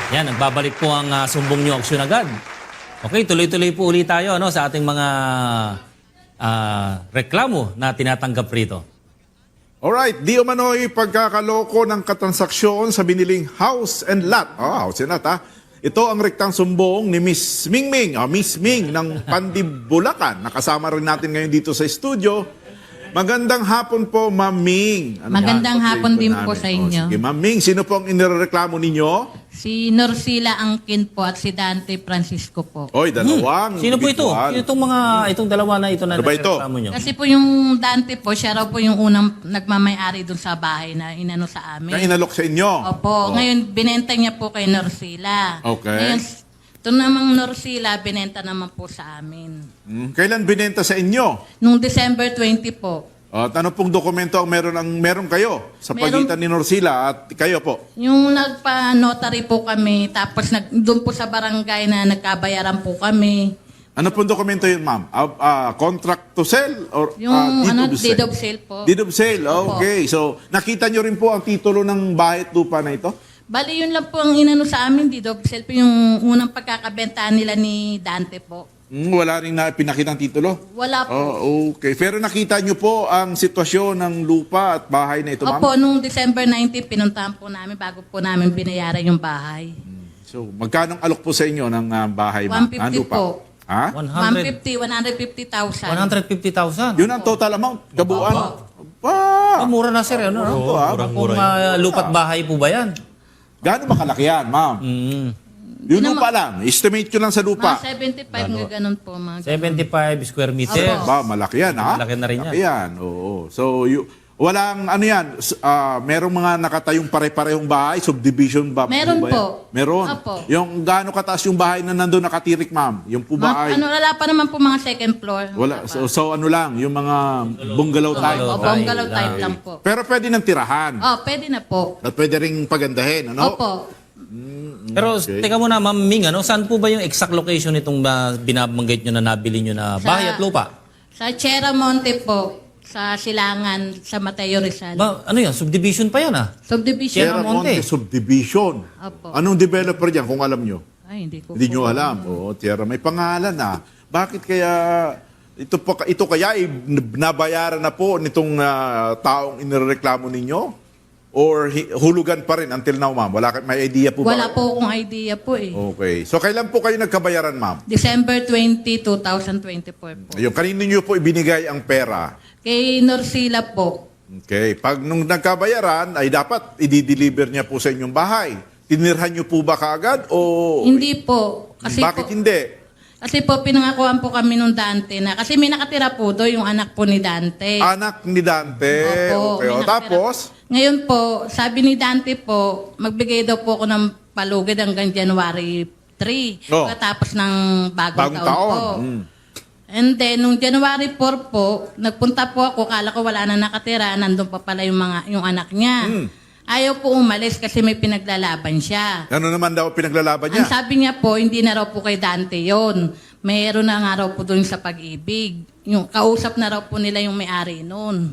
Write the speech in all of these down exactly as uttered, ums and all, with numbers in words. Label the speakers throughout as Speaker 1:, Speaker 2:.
Speaker 1: Yan, nagbabalik po ang uh, sumbong nyo aksyon agad. Okay, tuloy-tuloy po ulit tayo ano, sa ating mga uh, reklamo na tinatanggap rito.
Speaker 2: Alright, di umano'y pagkakaloko ng katransaksyon sa biniling house and lot. Oh, house and lot ha. Ito ang rektang sumbong ni Miss Mingming, oh, Miss Ming ng Pandibulacan. Nakasama rin natin ngayon dito sa studio. Magandang hapon po, Ma'am Ming. Ano
Speaker 3: Magandang
Speaker 2: yan?
Speaker 3: hapon din po
Speaker 2: namin.
Speaker 3: sa inyo.
Speaker 2: Oh, sige, Ma'am Ming, sino po ang inireklamo ninyo?
Speaker 3: Si Norsila Angkin po at si Dante Francisco po.
Speaker 2: Oy, dalawang.
Speaker 1: Sino po ito?
Speaker 2: individual.
Speaker 1: Sino itong mga, itong dalawa na ito na
Speaker 2: Ano ba ito?
Speaker 1: nireklamo nyo?
Speaker 3: Kasi po yung Dante po, siya raw po yung unang nagmamayari dun sa bahay na inano sa amin.
Speaker 2: Na inalok sa inyo?
Speaker 3: Opo.
Speaker 2: Oh.
Speaker 3: Ngayon, binenta niya po kay Norsila.
Speaker 2: Okay.
Speaker 3: Ngayon, ito namang Norsila, binenta naman po sa amin.
Speaker 2: Hmm, Kailan binenta sa inyo?
Speaker 3: Nung December twentieth po.
Speaker 2: At ano pong dokumento ang meron, ang meron kayo sa
Speaker 3: Meron-
Speaker 2: pagitan ni Norsila at kayo po?
Speaker 3: Yung nagpa-notary po kami, tapos nag, doon po sa barangay na nagkabayaran po kami.
Speaker 2: Ano pong dokumento yun, ma'am? Uh, uh, contract to sell? Or,
Speaker 3: Yung
Speaker 2: uh, deed
Speaker 3: ano,
Speaker 2: of
Speaker 3: deed
Speaker 2: sale?
Speaker 3: of sale po.
Speaker 2: Deed of sale, okay. So, nakita nyo rin po ang titulo ng bahay at lupa na ito?
Speaker 3: Bali, yun lang po ang inano sa amin, deed of sale po yung unang pagkakabentaan nila ni Dante po.
Speaker 2: Hmm, wala rin na pinakitang titulo?
Speaker 3: Wala po.
Speaker 2: Oh, okay. Pero nakita nyo po ang sitwasyon ng lupa at bahay na ito, ma'am?
Speaker 3: Opo, nung December nineteenth, pinuntahan po namin bago po namin binayaran yung bahay.
Speaker 2: So, magkano ang alok po sa inyo ng uh, bahay, ma'am?
Speaker 3: one fifty
Speaker 2: Ah, lupa?
Speaker 3: po.
Speaker 2: Ha?
Speaker 1: one
Speaker 3: one
Speaker 1: hundred
Speaker 3: fifty, one hundred fifty thousand.
Speaker 1: one hundred fifty thousand.
Speaker 2: Yun ang total amount? Kabuuan?
Speaker 1: Oh,
Speaker 2: Pa!
Speaker 1: mura na sir. Ano, no?
Speaker 2: Ito, ah.
Speaker 1: Kung uh, lupat bahay po ba yan?
Speaker 2: Gaano ba kalaki yan, ma'am?
Speaker 1: Mm.
Speaker 2: Yung lupa lang. Estimate ko lang sa lupa.
Speaker 3: Mga seventy-five nga ganun po. Mga ganun.
Speaker 1: seventy-five square meters.
Speaker 3: Opo.
Speaker 2: Ba, malaki yan, ha?
Speaker 1: Malaki na rin yan.
Speaker 2: Malaki yan, oo. So, you, walang, ano yan, s- ah, merong mga nakatayong pare-parehong bahay, subdivision ba?
Speaker 3: Meron
Speaker 2: ba yan?
Speaker 3: po.
Speaker 2: Meron.
Speaker 3: Opo.
Speaker 2: Yung gaano kataas yung bahay na nandun nakatirik, ma'am? Yung po ba
Speaker 3: Mga,
Speaker 2: ay...
Speaker 3: ano, wala pa naman po mga second floor.
Speaker 2: Wala. So, so, ano lang, yung mga bungalow type.
Speaker 3: O,
Speaker 1: Bungalow
Speaker 3: bungalow
Speaker 1: type
Speaker 3: type
Speaker 1: lang.
Speaker 3: lang po.
Speaker 2: Pero pwede nang tirahan.
Speaker 3: Oh, pwede na po.
Speaker 2: At pwede ring pagandahin, ano?
Speaker 3: Opo.
Speaker 1: Pero
Speaker 2: Okay.
Speaker 1: teka muna, Ma'am Ming, ano, saan po ba yung exact location nitong uh, binabanggit nyo na nabili nyo na
Speaker 3: Sa-
Speaker 1: bahay at lupa?
Speaker 3: Sa Sierra Monte po, sa Silangan, sa Mateo Rizal.
Speaker 1: Ba, ano yan? Subdivision pa yan ah.
Speaker 3: Subdivision.
Speaker 1: Sierra
Speaker 2: Sierra Monte
Speaker 1: Monte.
Speaker 2: Subdivision.
Speaker 3: Opo.
Speaker 2: Anong developer dyan, kung alam nyo?
Speaker 3: Ay, hindi ko
Speaker 2: Hindi
Speaker 3: po.
Speaker 2: nyo alam. Oo, Tierra, may pangalan na. Bakit kaya ito po ito kaya ay nabayaran na po nitong ah, taong inireklamo ninyo? Or hi- hulugan pa rin until now, ma'am? Wala ka- may idea po ba?
Speaker 3: Wala po akong idea po eh.
Speaker 2: Okay. So kailan po kayo nagkabayaran, ma'am?
Speaker 3: December twentieth, twenty twenty-four po.
Speaker 2: Ayun, kanino nyo po ibinigay ang pera?
Speaker 3: Kay Norsila po.
Speaker 2: Okay. Pag nung nagkabayaran, ay dapat i-deliver niya po sa inyong bahay. Tinirhan nyo po ba kaagad? O
Speaker 3: Hindi po. Kasi
Speaker 2: bakit
Speaker 3: po,
Speaker 2: hindi?
Speaker 3: Kasi po, pinangakuan po kami nung Dante na, kasi may nakatira po doon yung anak po ni Dante.
Speaker 2: Anak ni Dante.
Speaker 3: Opo,
Speaker 2: Okay.
Speaker 3: may
Speaker 2: O,
Speaker 3: nakatira
Speaker 2: tapos?
Speaker 3: po. Ngayon po, sabi ni Dante po, magbigay daw po ako ng palugad hanggang January third.
Speaker 2: Oh.
Speaker 3: Pagkatapos ng bagong,
Speaker 2: Bagong
Speaker 3: taon,
Speaker 2: taon.
Speaker 3: po.
Speaker 2: Mm.
Speaker 3: And then, nung January fourth po, nagpunta po ako, kala ko wala na nakatira, nandun pa pala yung, mga, yung anak niya.
Speaker 2: Mm.
Speaker 3: Ayaw po umalis kasi may pinaglalaban siya.
Speaker 2: Ano naman daw pinaglalaban niya?
Speaker 3: Ang sabi niya po, hindi na raw po kay Dante yon. Mayroon na nga raw po doon sa pag-ibig. Yung kausap na raw po nila yung may-ari noon.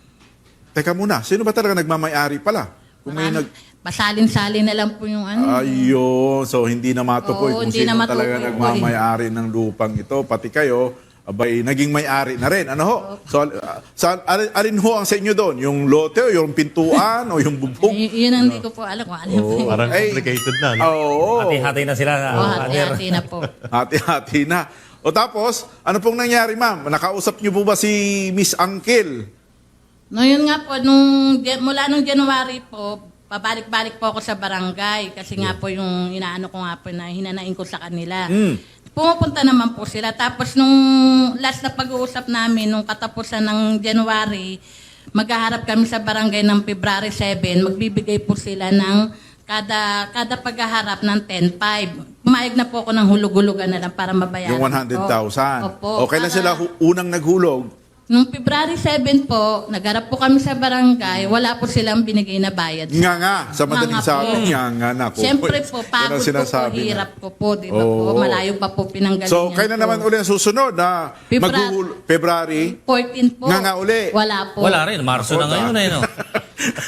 Speaker 2: Teka muna, sino ba talaga nagmamayari pala? Kung may nag...
Speaker 3: Pasalin-salin na lang po yung ano.
Speaker 2: Ayun, so hindi na matukoy
Speaker 3: Oo,
Speaker 2: kung
Speaker 3: hindi
Speaker 2: sino
Speaker 3: na matukoy
Speaker 2: talaga
Speaker 3: po eh.
Speaker 2: nagmamayari ng lupang ito. Pati kayo, abay, naging may-ari na rin. Ano ho? So, uh, sa, alin, alin ho ang sa inyo doon? Yung lote o yung pintuan o yung bubong?
Speaker 3: Y- yun ang hindi ko po alam kung ano po. yun.
Speaker 4: Parang
Speaker 2: Ay.
Speaker 4: complicated na. No?
Speaker 2: Oo.
Speaker 1: Hati-hati na sila.
Speaker 3: Oh,
Speaker 1: ah, Father.
Speaker 3: hati-hati na po.
Speaker 2: Hati-hati na. O tapos, ano pong nangyari, ma'am? Nakausap niyo po ba si Miss Angkel?
Speaker 3: No, yun nga po, nung, mula nung January po, pabalik-balik po ako sa barangay kasi nga po yung inaano ko nga po na hinanain ko sa kanila.
Speaker 2: Mm.
Speaker 3: Pumupunta naman po sila. Tapos nung last na pag-uusap namin, nung katapusan ng January, maghaharap kami sa barangay ng February seventh, magbibigay po sila ng kada kada paghaharap ng ten five. Pumayag na po ako ng hulug-hulugan na lang para mabayaran
Speaker 2: Yung one hundred thousand.
Speaker 3: Opo.
Speaker 2: O kailan
Speaker 3: Para-
Speaker 2: sila hu- unang naghulog?
Speaker 3: Nung February seventh po, nagharap po kami sa barangay, wala po silang binigay na bayad.
Speaker 2: Nga nga, sa madaling
Speaker 3: Nga nga
Speaker 2: sabi,
Speaker 3: po.
Speaker 2: nga nga na.
Speaker 3: Siyempre po,
Speaker 2: Yan ang
Speaker 3: pagod po po,
Speaker 2: sinasabi na.
Speaker 3: hirap ko po, di ba po?
Speaker 2: Oo.
Speaker 3: Malayo pa po pinanggalingan
Speaker 2: So, kailan
Speaker 3: po.
Speaker 2: naman uli ang susunod na
Speaker 3: February.
Speaker 2: maghuhul- February?
Speaker 3: fourteen po.
Speaker 2: Nga nga uli.
Speaker 3: Wala po.
Speaker 1: Wala rin. Marso na ngayon eh, no?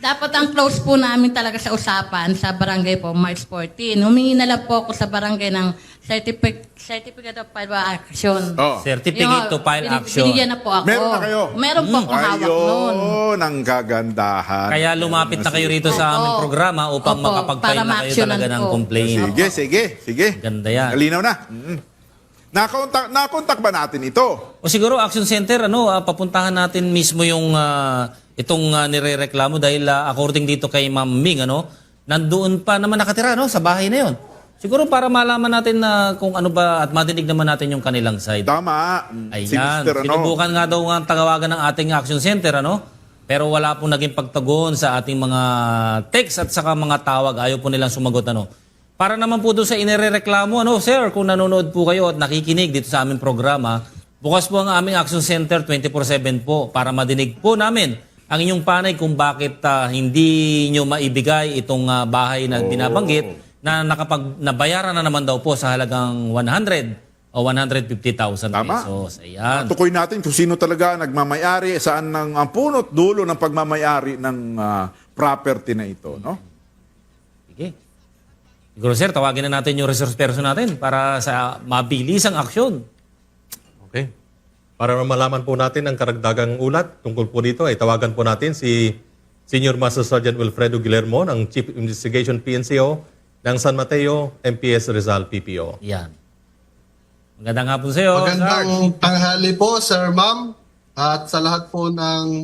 Speaker 3: Dapat ang close po namin talaga sa usapan sa barangay po, March fourteen. Humingi na lang po ako sa barangay ng certificate, certificate of file action.
Speaker 2: Oh.
Speaker 1: Certificate to file
Speaker 3: Yung,
Speaker 1: action.
Speaker 3: Binigyan na po ako.
Speaker 2: Meron na kayo?
Speaker 3: Meron po akong hawak noon.
Speaker 2: Ayun, ang kagandahan.
Speaker 1: Kaya lumapit na kayo rito sa aming
Speaker 3: Opo.
Speaker 1: programa upang
Speaker 3: Opo,
Speaker 1: makapag-file
Speaker 3: para
Speaker 1: na kayo
Speaker 3: ma-actionan
Speaker 1: talaga ng
Speaker 3: po.
Speaker 1: complaint.
Speaker 2: Sige, sige, sige.
Speaker 1: Ganda yan.
Speaker 2: Malinaw na. Mm. Nakontak, nakontak ba natin ito?
Speaker 1: O siguro Action Center, ano, ah, papuntahan natin mismo yung ah, itong ah, nirereklamo dahil ah, according dito kay Ma'am Ming, ano, nandoon pa naman nakatira, no, sa bahay na yon. Siguro para malaman natin na kung ano ba at madinig naman natin yung kanilang side.
Speaker 2: Tama. Mm. Si
Speaker 1: Ayan,
Speaker 2: Mister ano?
Speaker 1: sinubukan nga daw ang tagawagan ng ating Action Center, ano? Pero wala pong naging pagtagon sa ating mga text at saka mga tawag. Ayaw po nilang sumagot, ano? Para naman po doon sa inirereklamo, ano, sir, kung nanonood po kayo at nakikinig dito sa aming programa, bukas po ang aming Action Center twenty-four seven po para madinig po namin ang inyong panay kung bakit ah, hindi nyo maibigay itong ah, bahay na binabanggit na nakapag nabayaran na naman daw po sa halagang one hundred o one hundred fifty thousand
Speaker 2: Tama.
Speaker 1: pesos. Ayan.
Speaker 2: Tukoy natin kung sino talaga nagmamayari, saan ang, ang punot dulo ng pagmamayari ng ah, property na ito, no?
Speaker 1: Sige. Siguro sir, tawagin na natin yung resource person natin para sa mabilisang aksyon.
Speaker 4: Okay. Para malaman po natin ang karagdagang ulat tungkol po dito, ay tawagan po natin si Senior Master Sergeant Wilfredo Guillermo ng Chief Investigation P N C O ng San Mateo M P S Rizal P P O.
Speaker 1: Yan. Magandang hapon sa iyo,
Speaker 5: Magandang tanghali po, Sir Ma'am, at sa lahat po ng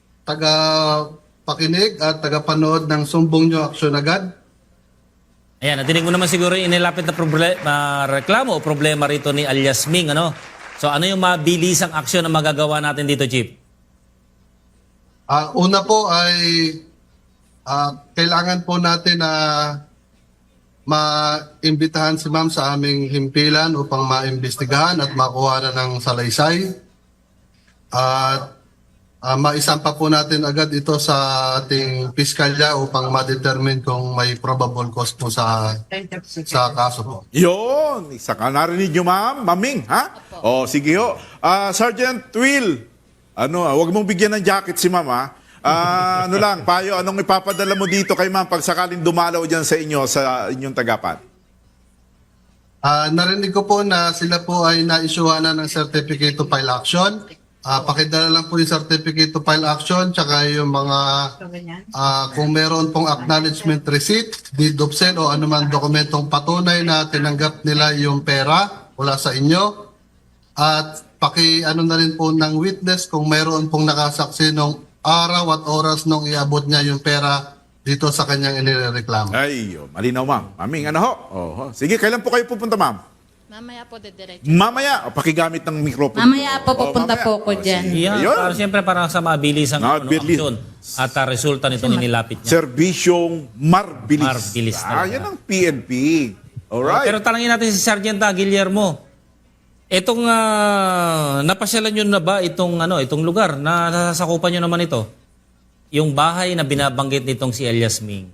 Speaker 5: taga-pakinig at taga-panood ng Sumbong Nyo Aksyon Agad.
Speaker 1: Ayan, nadinig mo naman siguro yung inilapit na proble- na reklamo o problema rito ni alias Ming, ano? So ano yung mabilisang aksyon na magagawa natin dito, Chief?
Speaker 5: Ah, una po ay ah, kailangan po natin na maimbitahan si Ma'am sa aming himpilan upang maimbestigahan at makuha na ng salaysay. At ah, maisampa po natin agad ito sa ating piskalya upang ma-determine kung may probable cause po sa sa kaso po.
Speaker 2: Yun, isa ka narinig nyo, ma'am, maming, ha? O, sige ho. Ah, Sergeant Will, ano, ah, wag mong bigyan ng jacket si ma'am, ha? Ah, ano lang, payo, anong ipapadala mo dito kay ma'am pag sakaling dumalaw dyan sa inyo, sa inyong tagapan?
Speaker 5: Ah, narinig ko po na sila po ay na-issuehan na ng certificate to file action. Ah, pakidala lang po yung certificate to file action tsaka yung mga ah, kung meron pong acknowledgement receipt, deed of sale o anuman dokumentong patunay na tinanggap nila yung pera mula sa inyo. At paki ano na rin po ng witness kung meron pong nakasaksi nung araw at oras nung iabot niya yung pera dito sa kanyang inireklamo.
Speaker 2: Ay, oh, malinaw, ma'am. Maming, ano ho? Oh, ho. Sige, kailan po kayo pupunta, ma'am?
Speaker 3: Mamaya po, didiretso.
Speaker 2: Mamaya, o, pakigamit ng microphone.
Speaker 3: Mamaya po,
Speaker 2: Oh,
Speaker 3: pupunta
Speaker 2: mamaya.
Speaker 3: po ako
Speaker 2: Oh,
Speaker 3: dyan.
Speaker 2: sige.
Speaker 1: Yan,
Speaker 2: Ayun.
Speaker 1: para siyempre para sa mabilisang ano,
Speaker 2: Mabilis.
Speaker 1: aksyon at ah, resulta nitong inilapit niya.
Speaker 2: Serbisyong marbilis.
Speaker 1: Marbilis
Speaker 2: Ah,
Speaker 1: talaga.
Speaker 2: yan ang P N P. Alright.
Speaker 1: Pero talangin natin si Sergeant ah, Guillermo. Itong ah, napasyalan nyo na ba itong ano, itong lugar na nasasakupan nyo naman ito? Yung bahay na binabanggit nitong si Elias Ming.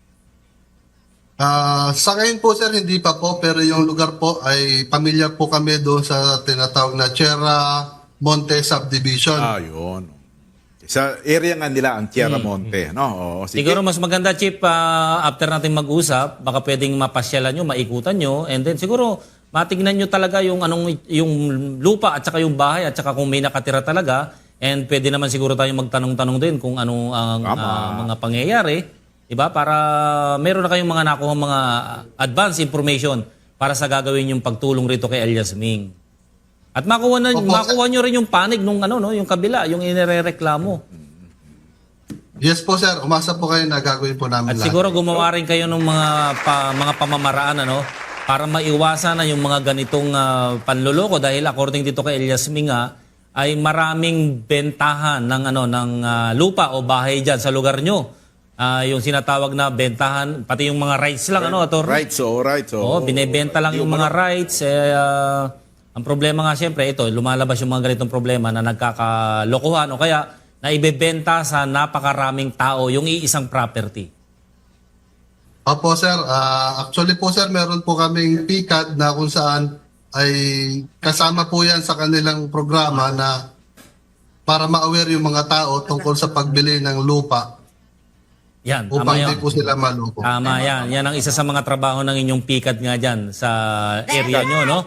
Speaker 5: Ah, sa ngayon po sir, hindi pa po, pero yung lugar po ay pamilyar po kami doon sa tinatawag na Sierra Monte Subdivision.
Speaker 2: Ah, yun. Sa area nga nila, ang Tierra Monte. No? Oo, sige.
Speaker 1: Siguro mas maganda, Chief, ah, after natin mag-usap, baka pwedeng mapasyalan nyo, maikutan nyo, and then siguro matignan nyo talaga yung, anong, yung lupa at saka yung bahay at saka kung may nakatira talaga, and pwede naman siguro tayong magtanong-tanong din kung ano ang
Speaker 2: Tama.
Speaker 1: ah, mga pangyayari. Diba? Para meron na kayong mga nakuha mga advance information para sa gagawin yung pagtulong rito kay Elias Ming. At makuha na
Speaker 5: Opo,
Speaker 1: makuha nyo rin yung panig nung ano no, yung kabila, yung inirereklamo.
Speaker 5: Yes po sir, umasa po kayo na gagawin po namin
Speaker 1: At
Speaker 5: lahat.
Speaker 1: siguro gumawa rin kayo ng mga pa, mga pamamaraan ano para maiwasan na yung mga ganitong ah, panloloko dahil according dito kay Elias Ming ah, ay maraming bentahan ng ano ng ah, lupa o bahay diyan sa lugar nyo. Ah, yung sinatawag na bentahan, pati yung mga rights lang, ano, Atty?
Speaker 2: Right, so, right. So,
Speaker 1: Oo, binebenta lang yung mga rights. Eh, ah, ang problema nga siyempre, ito, lumalabas yung mga ganitong problema na nagkakalokohan o kaya na ibebenta sa napakaraming tao yung iisang property.
Speaker 5: Opo sir, Ah, actually po sir, meron po kaming P C A D na kung saan ay kasama po yan sa kanilang programa na para ma-aware yung mga tao tungkol sa pagbili ng lupa.
Speaker 1: Yan, tama
Speaker 5: upang
Speaker 1: yun.
Speaker 5: di po sila maloko.
Speaker 1: Tama yan. Yan ang isa sa mga trabaho ng inyong pikat nga dyan sa area nyo, no?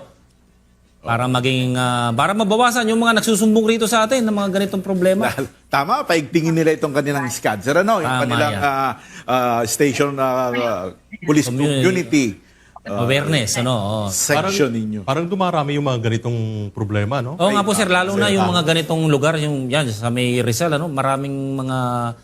Speaker 1: Para maging, ah, para mabawasan yung mga nagsusumbong rito sa atin ng mga ganitong problema.
Speaker 2: Tama, paigtingin nila itong kanilang SCAD. Sir, ano, yung
Speaker 1: Tama
Speaker 2: kanilang
Speaker 1: yan.
Speaker 2: ah, ah, station ah, ah, police
Speaker 1: Community.
Speaker 2: community
Speaker 1: Awareness, ano? Oo.
Speaker 2: section ninyo.
Speaker 4: Parang dumarami yung mga ganitong problema, no?
Speaker 1: Oo nga po sir, lalo na yung mga ganitong lugar, yung yan, sa may Rizal, ano, maraming mga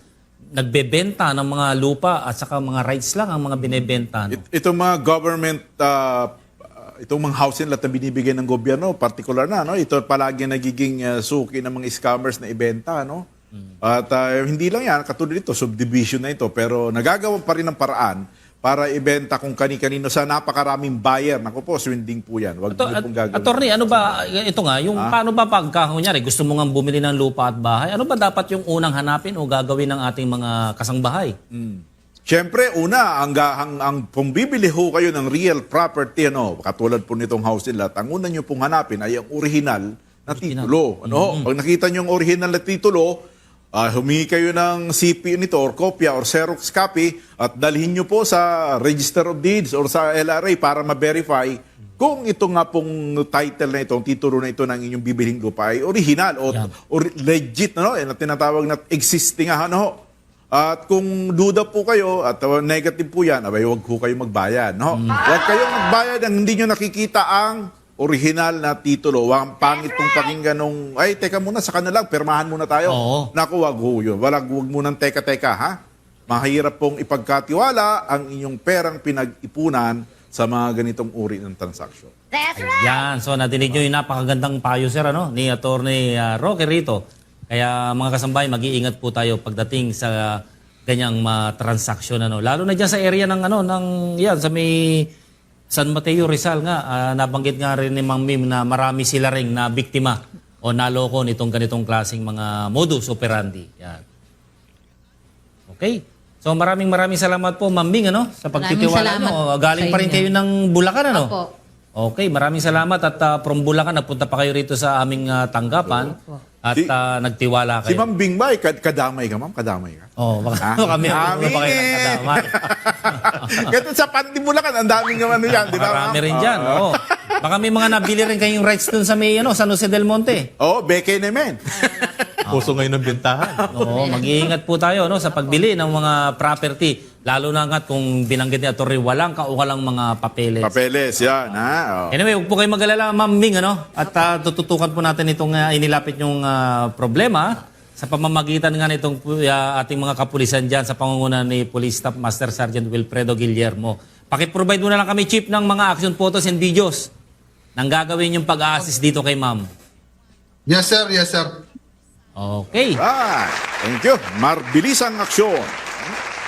Speaker 1: nagbebenta ng mga lupa at saka mga rights lang ang mga binebenta. No?
Speaker 2: It- itong mga government, ah, itong mga housing lot na binibigay ng gobyerno, particular na, no? Ito palagi nagiging ah, suki ng mga scammers na ibenta, no? At ah, hindi lang yan, katulad ito, subdivision na ito, pero nagagawa pa rin ng paraan para ibenta kung kani-kanino sa napakaraming buyer. Naku po, swinding po yan. Huwag
Speaker 1: Ato,
Speaker 2: niyo pong gagawin.
Speaker 1: attorney, ano ba, ito nga, yung paano ba pagka, kunyari, gusto mo nga bumili ng lupa at bahay, ano ba dapat yung unang hanapin o gagawin ng ating mga kasangbahay?
Speaker 2: Siyempre, una, ang, ga- ang, ang kung bibili ho kayo ng real property, ano, katulad po nitong housing lot, ang una nyo pong hanapin ay ang original na titulo. Ano, ho? Pag nakita nyo ang original na titulo, ah, humingi kayo ng C P nito or kopya or Xerox copy at dalhin nyo po sa Register of Deeds or sa L R A para ma-verify kung ito nga pong title na ito, ang titulo na ito ng inyong bibiling lupa ay original o,
Speaker 1: Yan.
Speaker 2: or legit, ano, na tinatawag na existing, ano ho. At kung duda po kayo at uh, negative po yan, abay, huwag po kayo magbayad. No? Huwag kayong magbayad ang hindi nyo nakikita ang original na titulo. Huwag pangit pong pakinggan nung, ay, teka muna, sa kanila, permahan muna tayo.
Speaker 1: Oo.
Speaker 2: Naku, wag ho yun. Walang, huwag munang teka-teka, ha? Mahirap pong ipagkatiwala ang inyong perang pinag-ipunan sa mga ganitong uri ng transaksyon.
Speaker 1: Yan, so nadinig nyo yung napakagandang payo sir, ano, ni Attorney uh, Roque rito. Kaya mga kasambahay, mag-iingat po tayo pagdating sa ganyang mga transaksyon, ano. Lalo na dyan sa area ng, ano, ng, yan, sa may San Mateo, Rizal nga, ah, nabanggit nga rin ni Mang Mim na marami sila ring na biktima o naloko nitong ganitong klaseng mga modus operandi. Yan. Okay. So maraming maraming salamat po, Ma'am Ming, ano, sa pagtitiwala
Speaker 3: Maraming
Speaker 1: nyo.
Speaker 3: salamat
Speaker 1: Galing
Speaker 3: sa
Speaker 1: pa rin
Speaker 3: inyo.
Speaker 1: kayo ng Bulacan, ano?
Speaker 3: Opo.
Speaker 1: Okay, maraming salamat at ah, from Bulacan, nagpunta pa kayo rito sa aming ah, tanggapan at
Speaker 2: Si-
Speaker 1: ah, nagtiwala
Speaker 2: Si
Speaker 1: kayo.
Speaker 2: Ma'am Bing ba, kad- kadamay ka, ma'am? Kadamay ka?
Speaker 1: Oh, baka
Speaker 2: Ah,
Speaker 1: kami ang
Speaker 2: dami
Speaker 1: pa kayo
Speaker 2: eh.
Speaker 1: ng kadamay.
Speaker 2: Ganito sa Pandibulacan, ang daming naman yan, di ba?
Speaker 1: Marami
Speaker 2: ma'am?
Speaker 1: rin dyan, oo. Baka may mga nabili rin kayong rights dun sa may ano, San Jose del Monte.
Speaker 2: Oo, oh, beke naman.
Speaker 4: Puso ngayon ng bentahan.
Speaker 1: Oo, mag-iingat po tayo no sa pagbili ng mga property, lalo na nga't kung binanggit ni Atty. walang kaukalang mga papeles.
Speaker 2: Papeles, yan, ha? Oh.
Speaker 1: Anyway, huwag po kayo mag-alala, Ma'am Ming, ano? At ah, tututukan po natin itong ah, inilapit yung ah, problema sa pamamagitan nga nitong ah, ating mga kapulisan dyan sa pangunguna ni Police Staff Master Sergeant Wilfredo Guillermo. Pakiprovide mo na lang kami, Chief, ng mga action photos and videos nang gagawin yung pag-assist dito kay Ma'am.
Speaker 5: Yes, sir. Yes, sir.
Speaker 1: Okay.
Speaker 2: Right. Thank you. Marbilisang aksyon.